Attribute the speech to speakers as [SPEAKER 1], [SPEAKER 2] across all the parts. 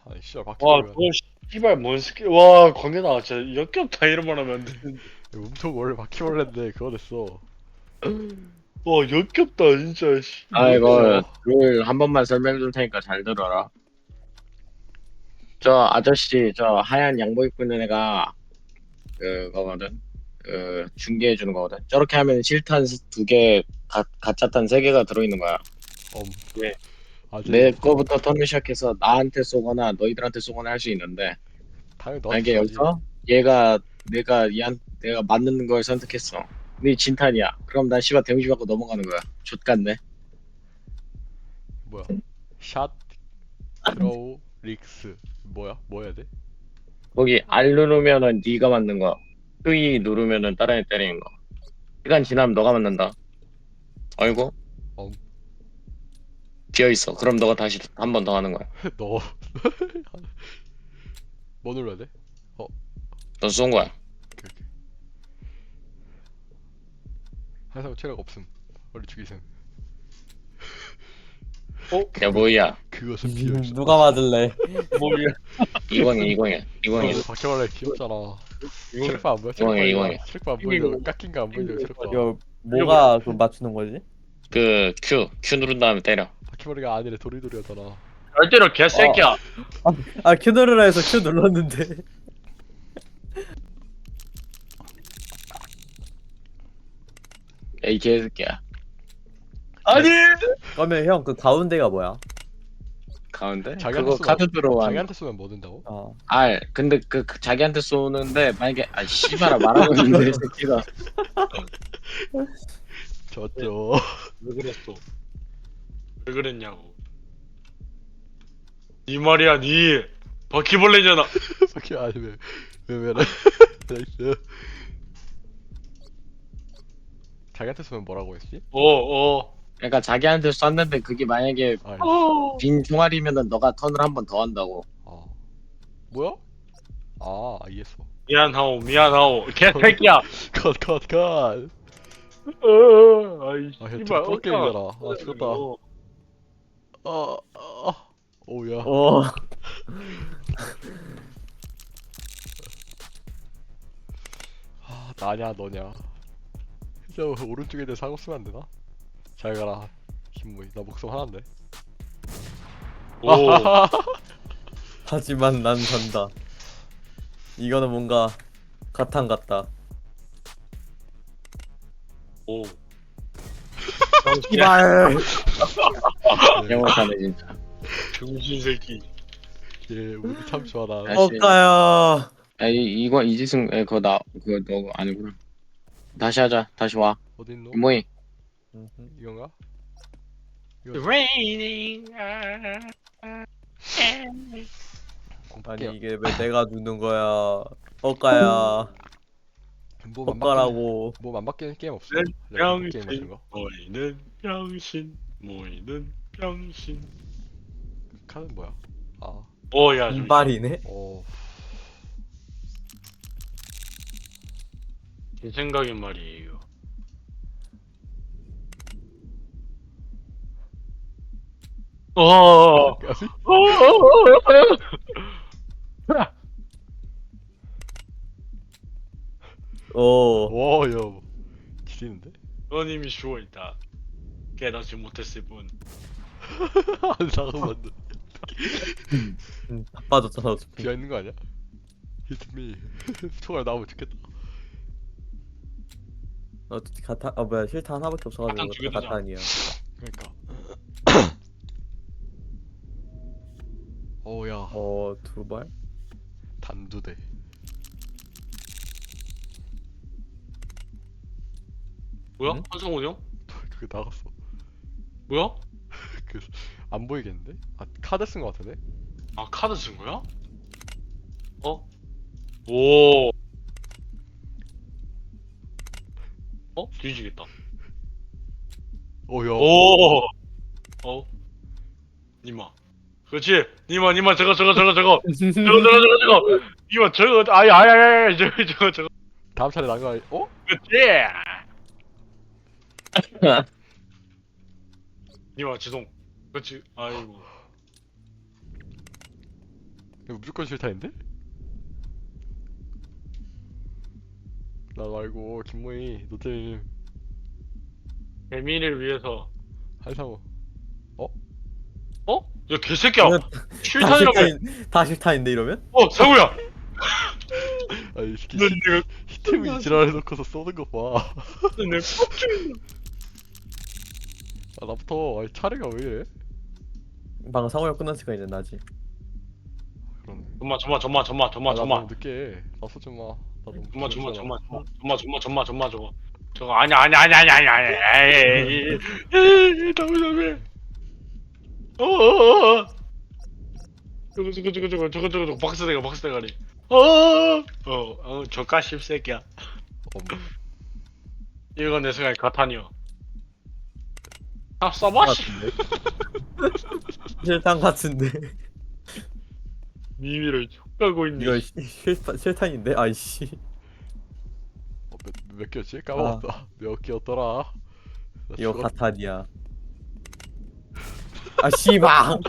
[SPEAKER 1] 아니 씨발
[SPEAKER 2] 와,
[SPEAKER 1] 바퀴벌레가
[SPEAKER 2] 그거 씨발 뭔 스킬. 와, 광현아, 진짜 역겹다. 이런 말 하면 안 되는데.
[SPEAKER 1] 몸통 원래 바퀴벌레인데 그거 됐어.
[SPEAKER 2] 와, 역겹다, 진짜. 씨,
[SPEAKER 3] 아,
[SPEAKER 2] 뭔데?
[SPEAKER 3] 이거 룰 한 번만 설명해 줄 테니까 잘 들어라. 저 아저씨, 저 하얀 양복 입고 있는 애가 그거거든. 그 중계해 주는 거거든. 저렇게 하면 실탄 두 개, 가짜탄 세 개가 들어있는 거야.
[SPEAKER 1] 엄
[SPEAKER 2] 네.
[SPEAKER 1] 아재
[SPEAKER 3] 내 거부터 턴을 시작해서 나한테 쏘거나 너희들한테 쏘거나 할 수 있는데
[SPEAKER 1] 당연히 너한테
[SPEAKER 3] 만약에
[SPEAKER 1] 쏘야지.
[SPEAKER 3] 여기서 내가 맞는 걸 선택했어. 네 진탄이야. 그럼 난 씨발 데미지 받고 넘어가는 거야. 좆같네.
[SPEAKER 1] 뭐야? 샷 드로우 릭스 뭐야? 뭐 해야 돼?
[SPEAKER 3] 거기 R 누르면은 네가 맞는 거. Q 누르면은 다른 애 때리는 거. 시간 지나면 너가 맞는다. 아이고
[SPEAKER 1] 엄
[SPEAKER 3] 비어 있어. 그럼 너가 다시 한 번 더 하는 거야.
[SPEAKER 1] 너 뭐 눌러야 돼?
[SPEAKER 3] 너 쏜 거야.
[SPEAKER 1] 오케이 오케이. 항상 체력 없음. 원래 죽이셈.
[SPEAKER 2] 어?
[SPEAKER 3] 야 뭐야?
[SPEAKER 1] 그것은 비어있어.
[SPEAKER 4] 누가 맞을래?
[SPEAKER 2] 뭐야?
[SPEAKER 3] 2020이야.
[SPEAKER 1] 너
[SPEAKER 3] 2020.
[SPEAKER 1] 바퀴벌레 귀엽잖아.
[SPEAKER 2] 이거,
[SPEAKER 1] 체력바 안 보여?
[SPEAKER 3] 이거야,
[SPEAKER 1] 체력바
[SPEAKER 3] 이거야.
[SPEAKER 1] 체력바 안
[SPEAKER 2] 이거
[SPEAKER 1] 보이려. 깎인 거 안 보이려 체력바.
[SPEAKER 4] 이거 뭐가 그 맞추는 거지?
[SPEAKER 3] 그 Q 누른 다음에 때려.
[SPEAKER 1] 바퀴벌레가 아니래 도리도리하잖아.
[SPEAKER 2] 절대로 개새끼야.
[SPEAKER 4] Q 누르라 해서 Q 눌렀는데.
[SPEAKER 3] 이 개새끼야.
[SPEAKER 2] 아니!
[SPEAKER 4] 그러면 형 그 가운데가 뭐야?
[SPEAKER 3] 가운데?
[SPEAKER 1] 자기한테
[SPEAKER 3] 그거
[SPEAKER 1] 쏘면
[SPEAKER 3] 카드 들어와.
[SPEAKER 1] 자기한테 쏘면 뭐 된다고?
[SPEAKER 4] 어.
[SPEAKER 3] R. 근데 그 자기한테 쏘는데 만약에 씨발아 말하고 있는데 이 새끼가
[SPEAKER 1] 졌죠.
[SPEAKER 2] 왜 그랬어? 왜 그랬냐고. 니 말이야, 니. 바퀴벌레잖아.
[SPEAKER 1] 바퀴 아니 왜래? 나이스. 자기한테 쏘면 뭐라고 했지?
[SPEAKER 3] 그러니까 자기한테 쐈는데 그게 만약에
[SPEAKER 1] 아,
[SPEAKER 3] 빈 총알이면은 너가 턴을 한 번 더 한다고.
[SPEAKER 1] 아 뭐야? 아 이해했어.
[SPEAKER 2] 미안하오, 미안하오. 개새끼야.
[SPEAKER 1] 컷.
[SPEAKER 2] 아이,
[SPEAKER 1] 아, 형
[SPEAKER 2] 씨발.
[SPEAKER 1] 또 게임이잖아. 아, 죽었다. 오야.
[SPEAKER 4] 오.
[SPEAKER 1] 나냐 너냐. 진짜 오른쪽에 내 사고 쓰면 안 되나? 잘 가라. 김모이. 나 목숨 하나인데.
[SPEAKER 2] 오.
[SPEAKER 4] 하지만 난 산다. 이거는 뭔가 가탄 같다.
[SPEAKER 2] 오.
[SPEAKER 4] 이발.
[SPEAKER 3] 영원사네 진짜.
[SPEAKER 2] 병신 새끼.
[SPEAKER 1] 예, 우리 참 좋아라.
[SPEAKER 3] 다시.
[SPEAKER 4] 어까요.
[SPEAKER 3] 이거 이지승 그거 그거 너 아니구나. 다시 하자. 다시 와.
[SPEAKER 1] 어딨노?
[SPEAKER 3] 뭐이?
[SPEAKER 1] 이건가?
[SPEAKER 2] Raining.
[SPEAKER 4] 아니 이게 왜 내가 누는 거야? 어까야.
[SPEAKER 1] 몸안 바뀌는
[SPEAKER 4] 어까라고.
[SPEAKER 1] 몸안 바뀌는 게임 없어.
[SPEAKER 2] 네,
[SPEAKER 1] 내가 게임 같은
[SPEAKER 2] 병신.
[SPEAKER 1] 거.
[SPEAKER 2] 모이는 병신. 모이는 병신.
[SPEAKER 1] 카드 뭐야? 아,
[SPEAKER 2] 오야.
[SPEAKER 4] 이발이네.
[SPEAKER 1] 어,
[SPEAKER 2] 제 생각엔 말이에요. 어.
[SPEAKER 1] 까비?
[SPEAKER 4] 오.
[SPEAKER 1] 와, 야, 지리는데?
[SPEAKER 2] 너님이 죽어있다. 깨닫지 못했을 뿐.
[SPEAKER 1] 잠깐만,
[SPEAKER 4] 다 빠졌잖아 어차피.
[SPEAKER 1] 비어 있는 거 아니야? Hit me. 총알 나오면 죽겠다.
[SPEAKER 4] 어차피 가탄 뭐야 실탄 하나밖에 없어가지고
[SPEAKER 2] 가탄 두개 되잖아.
[SPEAKER 4] 가탄이야.
[SPEAKER 1] 그러니까. 오야,
[SPEAKER 4] 두 발?
[SPEAKER 1] 단두대.
[SPEAKER 2] 뭐야?
[SPEAKER 4] 응?
[SPEAKER 2] 한성훈 형?
[SPEAKER 1] 그게 나갔어.
[SPEAKER 2] 뭐야?
[SPEAKER 1] 안 보이겠는데? 아, 카드 쓴 거 같은데?
[SPEAKER 2] 아, 카드 쓴 거야? 어? 오. 뒤지겠다.
[SPEAKER 1] 오야.
[SPEAKER 2] 오. 니마. 그렇지. 니마, 저거. 니마, 저거. 아이, 저거.
[SPEAKER 1] 다음 차례 난거 아니? 어?
[SPEAKER 2] 그렇지. 니마, 지동. 그렇지. 아이고.
[SPEAKER 1] 이거 무조건 실타인데? 나 말고 김모희 노잼
[SPEAKER 2] 재미를 위해서.
[SPEAKER 1] 한상우.
[SPEAKER 2] 어? 야 개새끼야.
[SPEAKER 4] 이거 다
[SPEAKER 2] 실탄이라며.
[SPEAKER 4] 다 실타인데 이러면?
[SPEAKER 2] 상우야.
[SPEAKER 1] 아이 새끼
[SPEAKER 2] 넌 내가
[SPEAKER 1] 히템이 지랄해놓고서 쏘는 거 봐.
[SPEAKER 2] 내
[SPEAKER 1] 아 나부터 아니 차례가 왜 이래?
[SPEAKER 4] 방금 상호형 끝났으니까 이제 나지.
[SPEAKER 1] 그러네.
[SPEAKER 2] 점마.
[SPEAKER 1] 아, 나 너무 늦게 해. 나 쏘지 마. 나 너무
[SPEAKER 2] 점마
[SPEAKER 1] 부담스러워.
[SPEAKER 2] 저거 아니야. 에이 너무 어어어 저거 박스 대가리 저까 씹새끼야. 이건 내 생각에 가탄이요. 아 써봐 씨.
[SPEAKER 4] 같은데? 실탄 같은데.
[SPEAKER 2] 미미를 촉가고 있네.
[SPEAKER 4] 이거 실탄인데? 아이씨.
[SPEAKER 1] 몇 개였지? 까먹었다. 몇 개였더라? 나
[SPEAKER 4] 이거
[SPEAKER 1] 죽었-
[SPEAKER 4] 가탄이야. 아 씨발.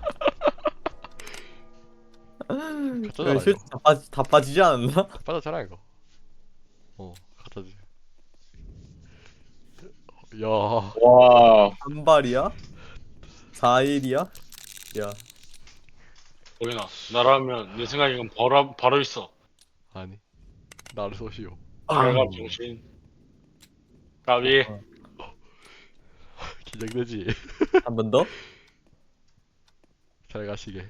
[SPEAKER 1] 가짜잖아
[SPEAKER 4] 이거
[SPEAKER 1] 이거.
[SPEAKER 4] 다 빠지지 않았나?
[SPEAKER 1] 빠졌잖아 이거. 가짜지. 야,
[SPEAKER 3] 와.
[SPEAKER 4] 한 발이야? 4일이야? 야,
[SPEAKER 2] 보이나 나라면 내 생각에 이건 바로 있어.
[SPEAKER 1] 아니 나를 쏘시오.
[SPEAKER 2] 내가 정신 까비.
[SPEAKER 1] 긴장되지.
[SPEAKER 4] 한 번 더?
[SPEAKER 1] 잘 가시게.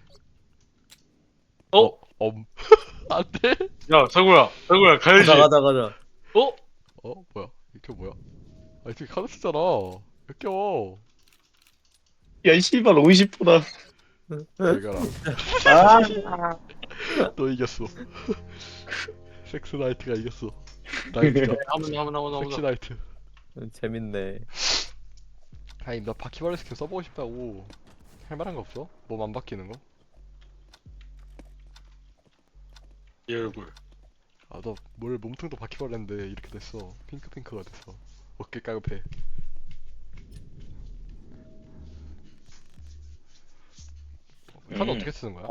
[SPEAKER 2] 어?
[SPEAKER 1] 안돼.
[SPEAKER 2] 야 상구야 가야지.
[SPEAKER 4] 가자.
[SPEAKER 2] 어?
[SPEAKER 1] 뭐야? 이게 뭐야? 아 이게 카드 쓰잖아. 역겨워.
[SPEAKER 3] 야 씨발 50%다.
[SPEAKER 1] 잘 가라.
[SPEAKER 3] 아.
[SPEAKER 1] 너 이겼어. 섹스 나이트가 이겼어. 나이트가.
[SPEAKER 2] 한번
[SPEAKER 1] 섹시 나이트.
[SPEAKER 4] 재밌네.
[SPEAKER 1] 아니 나 바퀴벌레 스킨 써보고 싶다고. 할 만한 거 없어? 몸 안 바뀌는 거?
[SPEAKER 2] 이 얼굴.
[SPEAKER 1] 아 너 뭘 몸통도 바퀴벌레인데 이렇게 됐어. 핑크가 됐어. 어깨 까급해. 카드 어떻게 쓰는 거야?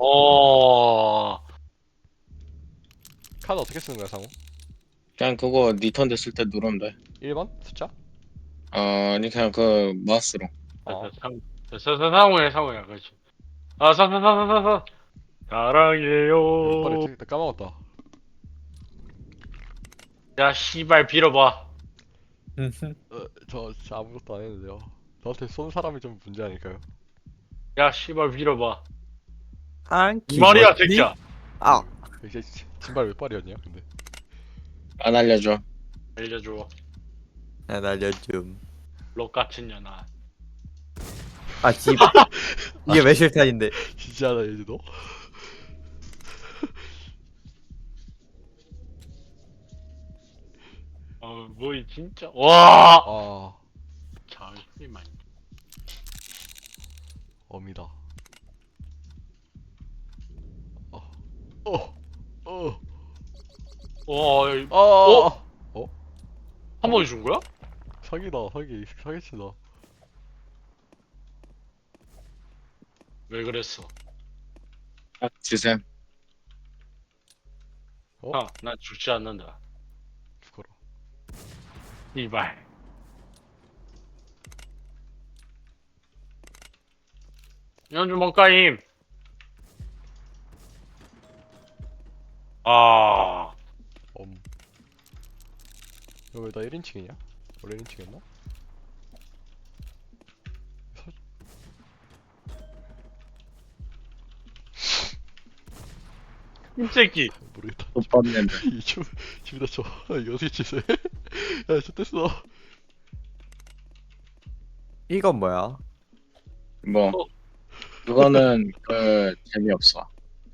[SPEAKER 1] 카드 어떻게 쓰는 거야 상호?
[SPEAKER 3] 그냥 그거 니턴 됐을 때 누르면 돼.
[SPEAKER 1] 1번? 숫자?
[SPEAKER 3] 아니 그냥 그 마우스로.
[SPEAKER 1] 아
[SPEAKER 2] 상우야 그렇지. 사랑해요.
[SPEAKER 1] 빨리 나 까먹었다.
[SPEAKER 2] 야 씨발 빌어봐.
[SPEAKER 1] 저 진짜 아무것도 안 했는데요. 저한테 쏜 사람이 좀 문제 아닐까요?
[SPEAKER 2] 야 씨발 빌어봐.
[SPEAKER 4] 한
[SPEAKER 2] 이 말이야 새끼야.
[SPEAKER 4] 아,
[SPEAKER 1] 이게 진발 몇 발이었냐 근데?
[SPEAKER 3] 안 알려줘.
[SPEAKER 2] 알려줘.
[SPEAKER 4] 야 날려줌.
[SPEAKER 2] 록 같은 년아.
[SPEAKER 4] 아 씨발. 이게 왜 실탄인데?
[SPEAKER 1] 진짜다 얘지 너?
[SPEAKER 2] 뭐이 진짜. 와.
[SPEAKER 1] 아
[SPEAKER 2] 잠시만.
[SPEAKER 1] 어미다. 어.
[SPEAKER 2] 와. 한 번에 준 거야?
[SPEAKER 1] 사기다 사기치다.
[SPEAKER 2] 왜 그랬어?
[SPEAKER 3] 주셈.
[SPEAKER 2] 난 죽지 않는다.
[SPEAKER 1] 죽어라.
[SPEAKER 2] 이발. 연주 뭔가임.
[SPEAKER 1] 이거 왜 나 1인칭이냐? 원래 1인칭이었나?
[SPEAKER 2] 이 새끼.
[SPEAKER 1] 모르겠다.
[SPEAKER 3] 못 봤는데.
[SPEAKER 1] 집에다 쳐. 이거 어떻게 치세? 야, 좋댔어.
[SPEAKER 4] 이건 뭐야?
[SPEAKER 3] 뭐 그거는 그 재미없어.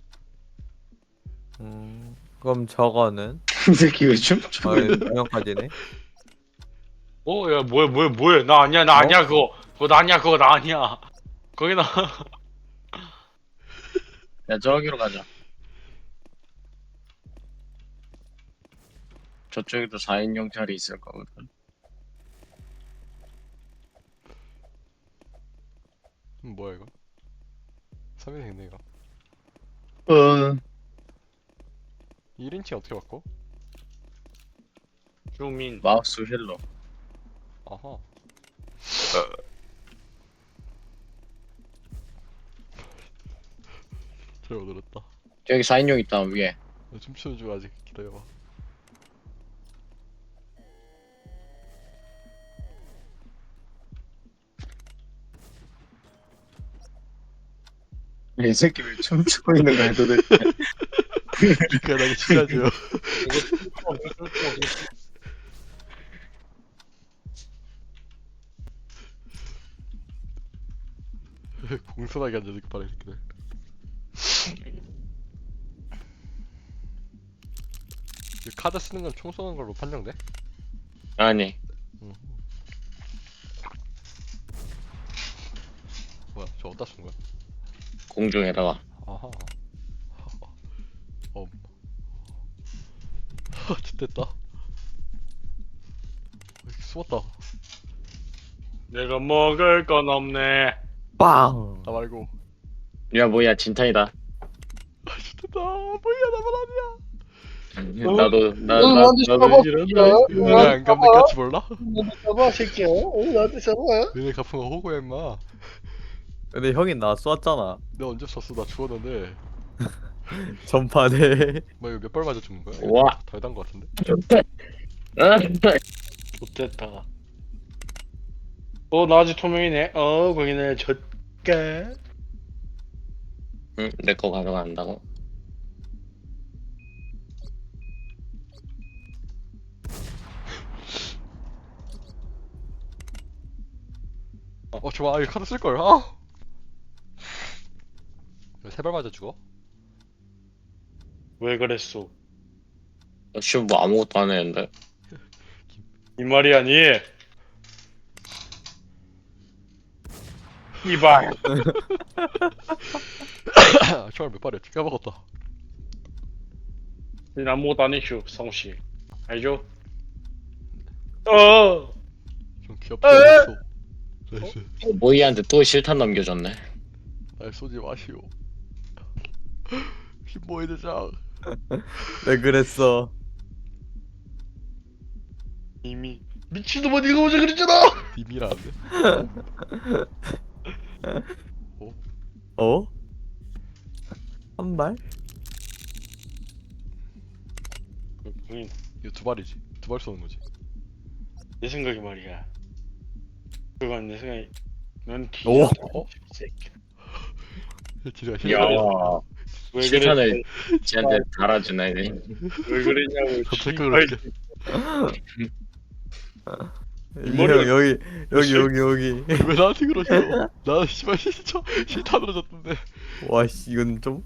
[SPEAKER 4] 그럼 저거는
[SPEAKER 3] 이 새끼 왜 춤?
[SPEAKER 4] 명까지네.
[SPEAKER 2] 야 뭐야? 나 아니야 그거 나 아니야. 거기 나.
[SPEAKER 3] 야 저기로 가자. 저쪽에도 4인용 자리 있을 거거든.
[SPEAKER 1] 뭐야 이거? 3인승 있네 이거. 1인칭 어떻게 바꿔?
[SPEAKER 2] 주민.
[SPEAKER 3] 마우스 휠로.
[SPEAKER 1] 아하. 잘못 들었다.
[SPEAKER 3] 저기 4인용 있다 위에.
[SPEAKER 1] 나 춤추는 중 아직 기다려봐.
[SPEAKER 3] 이 새끼 왜 춤추고 있는 거야 도대체.
[SPEAKER 1] 미안하게 친하죠. 공손하게 앉아서 바래 새끼들. 이 카드 쓰는 건 총 쏘는 걸로 판정돼?
[SPEAKER 3] 아니
[SPEAKER 1] 응. 뭐야 저 어디다 쓴 거야?
[SPEAKER 3] 공중에다가.
[SPEAKER 1] 아하. 좋됐다. 숨었다.
[SPEAKER 2] 내가 먹을 건 없네.
[SPEAKER 4] 빵.
[SPEAKER 1] 나 말고.
[SPEAKER 3] 야 뭐야 진탄이다.
[SPEAKER 1] 좋됐다. 뭐야 나만 아니야.
[SPEAKER 3] 나도
[SPEAKER 2] 나도 이런다.
[SPEAKER 1] 너네 안 감는 같이 몰라?
[SPEAKER 2] 잡아 새끼야. 나한테 잡아.
[SPEAKER 1] 너네 갚은 거 호구야 임마.
[SPEAKER 4] 근데 형이 나 쏘았잖아.
[SPEAKER 1] 내가 언제 썼어? 나 죽었는데.
[SPEAKER 4] 전판에.
[SPEAKER 1] 뭐 이거 몇 발 맞아 죽는 거야?
[SPEAKER 3] 와.
[SPEAKER 1] 덜단 거 같은데?
[SPEAKER 2] 좋됐다. 나 아직 투명이네. 거기는 젖가.
[SPEAKER 3] 응, 내 거 가져간다고.
[SPEAKER 1] 좋아. 이거 카드 쓸걸. 아! 세발 맞아 죽어?
[SPEAKER 2] 왜 그랬소?
[SPEAKER 3] 역시 뭐 아무것도 안 했는데.
[SPEAKER 2] 이 말이 아니. 이발.
[SPEAKER 1] 총알 몇 발이야? 까먹었다.
[SPEAKER 2] 니 아무것도 안 했슈 성씨. 알죠? 어.
[SPEAKER 1] 좀 귀엽지 않았어. 나이스.
[SPEAKER 3] 모이한테 또 실탄 넘겨줬네.
[SPEAKER 1] 날 쏘지 마시오. 흰모이 대장.
[SPEAKER 4] 왜 그랬어?
[SPEAKER 2] 이미 미친놈아 니가 먼저 그랬잖아.
[SPEAKER 1] 님이라는데?
[SPEAKER 4] 어? 한 발?
[SPEAKER 2] 응,
[SPEAKER 1] 이거 두 발이지. 두 발 쏘는 거지.
[SPEAKER 2] 내 생각이 말이야. 그건 내 생각이. 넌
[SPEAKER 4] 오.
[SPEAKER 1] 어?
[SPEAKER 2] 새끼.
[SPEAKER 1] 지가
[SPEAKER 3] 야
[SPEAKER 1] 실수했어.
[SPEAKER 2] 왜
[SPEAKER 3] 실탄을
[SPEAKER 2] 그랬어?
[SPEAKER 3] 쟤한테 달아주네.
[SPEAKER 2] 왜 그랬냐고.
[SPEAKER 1] 갑자기
[SPEAKER 2] 씨발.
[SPEAKER 1] 그렇게.
[SPEAKER 2] 머리가-
[SPEAKER 4] 여기.
[SPEAKER 1] 왜 나한테 그러셔? 나는 씨발 실탄으로 졌던데.
[SPEAKER 4] 와 씨, 이건 좀.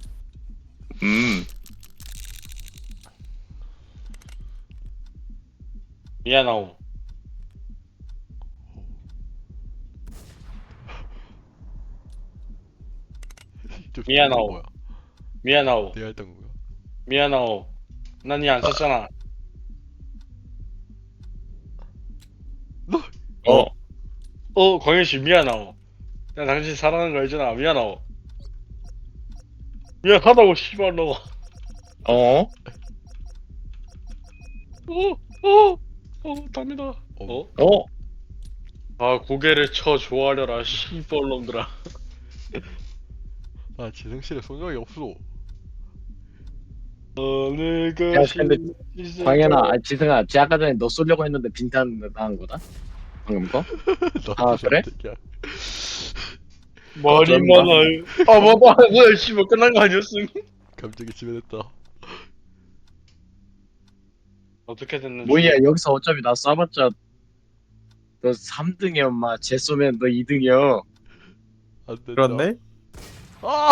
[SPEAKER 2] 미안하오. 미안하오.
[SPEAKER 1] 뭐야?
[SPEAKER 2] 미안하오.
[SPEAKER 1] 내가 했던 거야.
[SPEAKER 2] 미안하오. 난 니 안 썼잖아. 광현씨 미안하오. 나 당신 사랑하는 거 알잖아. 미안하오. 미안하다고 씨발 너.
[SPEAKER 3] 어?
[SPEAKER 2] 답니다.
[SPEAKER 3] 어?
[SPEAKER 2] 아 고개를 쳐 조아려라 씨벌놈들아.
[SPEAKER 1] 나 지승실에 쏜 적이 없어.
[SPEAKER 2] 내가
[SPEAKER 3] 야, 근데 광현아, 지승아, 쟤 아까 전에 너 쏘려고 했는데 빈탄 당한 거다? 방금 거? 아, 그래?
[SPEAKER 2] 말이
[SPEAKER 3] 어쩐다.
[SPEAKER 2] 많아요. 뭐야 씨발 끝난 거 아니었음?
[SPEAKER 1] 감정이 지배됐다.
[SPEAKER 2] 어떻게 됐는지.
[SPEAKER 3] 뭐야, 여기서 어차피 나 쏴봤자 너 3등이야, 엄마. 쟤 쏘면 너 2등이야.
[SPEAKER 1] 안 된다.
[SPEAKER 4] 그렇네?
[SPEAKER 1] 아!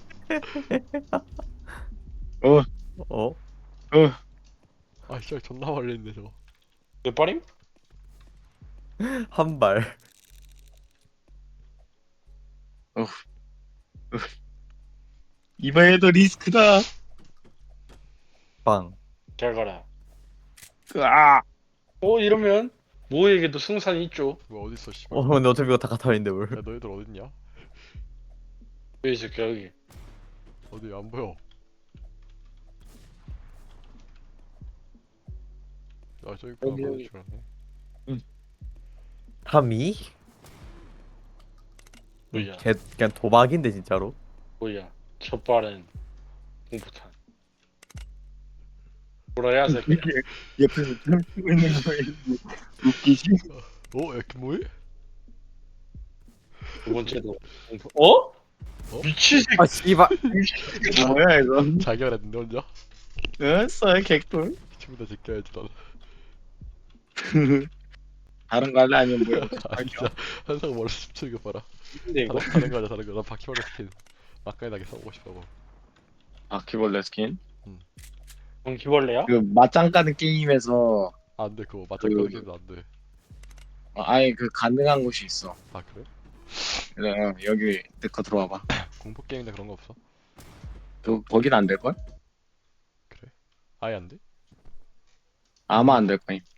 [SPEAKER 4] 어?
[SPEAKER 1] 아, 진짜 존나 말렸네 저거.
[SPEAKER 2] 몇 발임?
[SPEAKER 4] 한 발.
[SPEAKER 3] 이번에도 리스크다.
[SPEAKER 4] 빵.
[SPEAKER 2] 잘 가라.
[SPEAKER 3] 아,
[SPEAKER 2] 이러면 모에게도 승산이 있죠.
[SPEAKER 1] 뭐 어디 있어 씨발.
[SPEAKER 4] 근데 어차피 이거 다 카타인데 뭘?
[SPEAKER 1] 야 너희들 어딨냐?
[SPEAKER 2] 여기 있을게 여기.
[SPEAKER 1] 어디 안 보여? 아 저기 있구나.
[SPEAKER 3] 여기,
[SPEAKER 1] 맞을
[SPEAKER 3] 여기.
[SPEAKER 1] 줄 알았네.
[SPEAKER 4] 타미?
[SPEAKER 2] 뭐야
[SPEAKER 4] 걔 그냥 도박인데 진짜로.
[SPEAKER 2] 뭐야 첫 발은 공포탄 뭐라야 새끼야
[SPEAKER 3] 옆에서 춤 추고 있는 거에 웃기지?
[SPEAKER 1] 어? 야 김모이?
[SPEAKER 2] 두 번째도 공포 어? 미친 새끼
[SPEAKER 4] 아 씨발.
[SPEAKER 3] 뭐야 이거?
[SPEAKER 1] 자기가 했는데 혼자?
[SPEAKER 3] 써 개꿀.
[SPEAKER 1] 친구들 지켜야지 넌.
[SPEAKER 3] 다른 거 할래 아니면 뭐야?
[SPEAKER 1] 아 진짜 한상 머리 춤추는 거 봐라.
[SPEAKER 2] 근데 이거
[SPEAKER 1] 다른 거 하자 다른 거. 난 바퀴벌레 스킨 막간하게 써보고 싶다고.
[SPEAKER 3] 바퀴벌레 스킨?
[SPEAKER 2] 바퀴벌레야?
[SPEAKER 3] 그 맞짱 까는 게임에서
[SPEAKER 1] 안돼 그거 맞짱
[SPEAKER 3] 그-
[SPEAKER 1] 끊기도 안돼.
[SPEAKER 3] 아예 그 가능한 곳이 있어.
[SPEAKER 1] 아 그래?
[SPEAKER 3] 그래 여기 내거 들어와봐.
[SPEAKER 1] 공포 게임이나 그런 거 없어?
[SPEAKER 3] 그 거긴 안 될 걸?
[SPEAKER 1] 그래? 아예 안 돼?
[SPEAKER 3] 아마 안 될 거임.